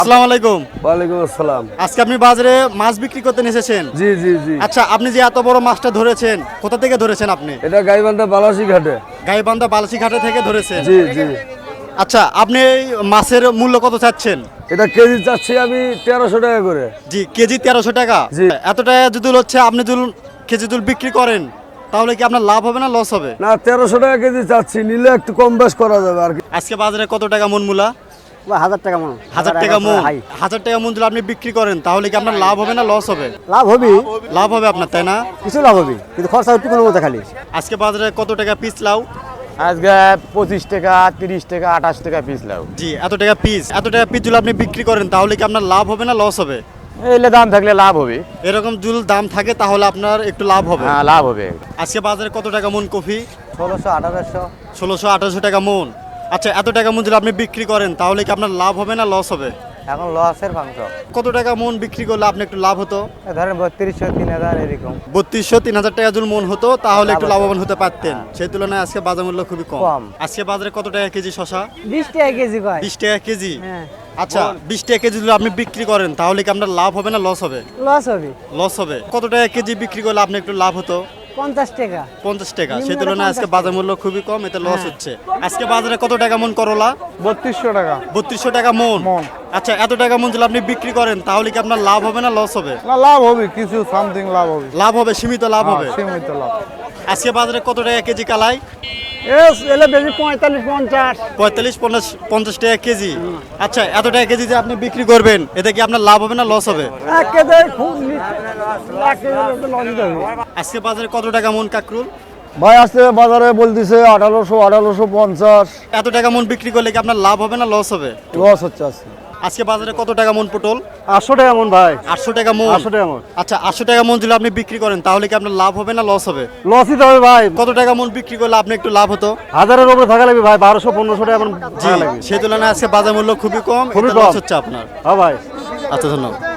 আসসালামু আলাইকুম। ওয়ালাইকুম আসসালাম। আজকে আপনি বাজারে মাছ বিক্রি করতে এসেছেন? জি জি জি। আচ্ছা, আপনি যে এত বড় মাছটা ধরেছেন, কোথা থেকে ধরেছেন আপনি? এটা গাইবান্ধা বালাসি ঘাটে। গাইবান্ধা বালাসি ঘাটে থেকে ধরেছেন? জি জি। আচ্ছা, আপনি এই মাছের মূল্য কত চাচ্ছেন? এটা কেজি চাচ্ছি আমি 1300 টাকা করে। জি, কেজি 1300 টাকা। জি। এত টাকা যদি হচ্ছে আপনি যদি কেজি যদি বিক্রি করেন, তাহলে কি আপনার লাভ হবে না লস হবে? না, 1300 টাকা কেজি চাচ্ছি, নিলে একটু কম বেশ করা যাবে আর কি। আজকে বাজারে কত টাকা মন মূলা? 1000 টাকা মন। 1000 টাকা মন। 1000 টাকা মন যদি আপনি বিক্রি করেন, তাহলে কি আপনার লাভ হবে না লস হবে? লাভ হবে, লাভ হবে আপনার, তাই না? কিছু লাভ হবে, কিন্তু খরচা একটু কোনো মতো খালি। আজকে বাজারে কত টাকা পিস লাউ? আজকে 25 টাকা, 30 টাকা, 28 টাকা পিস লাউ। জি, এত টাকা পিস যদি আপনি বিক্রি করেন, তাহলে কি আপনার লাভ হবে না লস হবে? এলে দাম থাকলে লাভ হবে। এরকম যদি দাম থাকে তাহলে আপনার একটু লাভ হবে। হ্যাঁ, লাভ হবে। আজকে বাজারে কত টাকা মন কফি? 1600 1800। 1600-1800 টাকা মন। আচ্ছা, এত টাকা মন যদি আপনি বিক্রি করেন, তাহলে কি আপনার লাভ হবে না লস হবে? এখন লসের মাংস কত টাকা মন বিক্রি করলে আপনি একটু লাভ হতো? ধরেন 3200 3000 এরকম। 3200-3000 টাকা যদি মন হতো, তাহলে একটু লাভবান হতে পারতেন। সেই তুলনায় আজকে বাজার মূল্য খুবই কম। কম। আজকে বাজারে কত টাকা কেজি শশা? 20 টাকা কেজি কয়। 20 টাকা কেজি। হ্যাঁ, আচ্ছা, 20 টাকা কেজি যদি আপনি বিক্রি করেন, তাহলে কি আপনার লাভ হবে না লস হবে? লস হবে লস হবে। কত টাকা কেজি বিক্রি করলে আপনি একটু লাভ হতো? 50 টাকা। 50 টাকা। সেই নিম্নটা তুলনায় আজকে 50 বাজার মূল্য খুবই কম, এতে লস হ্যাঁ। হচ্ছে। আজকে বাজারে কত টাকা মন করলা? 3200 টাকা। 3200 টাকা মন। আচ্ছা, এত টাকা মন যদি আপনি বিক্রি করেন, তাহলে কি আপনার লাভ হবে না লস হবে? না, লাভ হবে, কিছু সামথিং লাভ হবে। লাভ হবে, সীমিত লাভ হবে। সীমিত লাভ। আজকে বাজারে কত টাকা কেজি কালাই? এলে বেশি 45 50। 45-50 টাকা কেজি। আচ্ছা, এত টাকা কেজি যে আপনি বিক্রি করবেন, এতে কি আপনার লাভ হবে না লস হবে? এক কেজি খুব লাখ লস হবে। আজকে বাজারে কত টাকা মন কাকরুল? ভাই আজকে বাজারে বলতেছে 1850। এত টাকা মন বিক্রি করলে কি আপনার লাভ হবে না লস হবে? লস হচ্ছে আজকে। আজকে বাজারে কত টাকা মন পটল? 800 টাকা মন ভাই। 800 টাকা মন। 800 টাকা মন। আচ্ছা, 800 টাকা মন যদি আপনি বিক্রি করেন, তাহলে কি আপনার লাভ হবে না লস হবে? লসই তো হবে ভাই। কত টাকা মন বিক্রি করলে আপনি একটু লাভ হতো? হাজারের উপরে থাকা লাগবে ভাই, 1200 1500 টাকা এখন জি, সেই তুলনায় আজকে বাজার মূল্য খুবই কম, খুবই এতে লস কম। হচ্ছে আপনার। হ্যাঁ ভাই। আচ্ছা, ধন্যবাদ।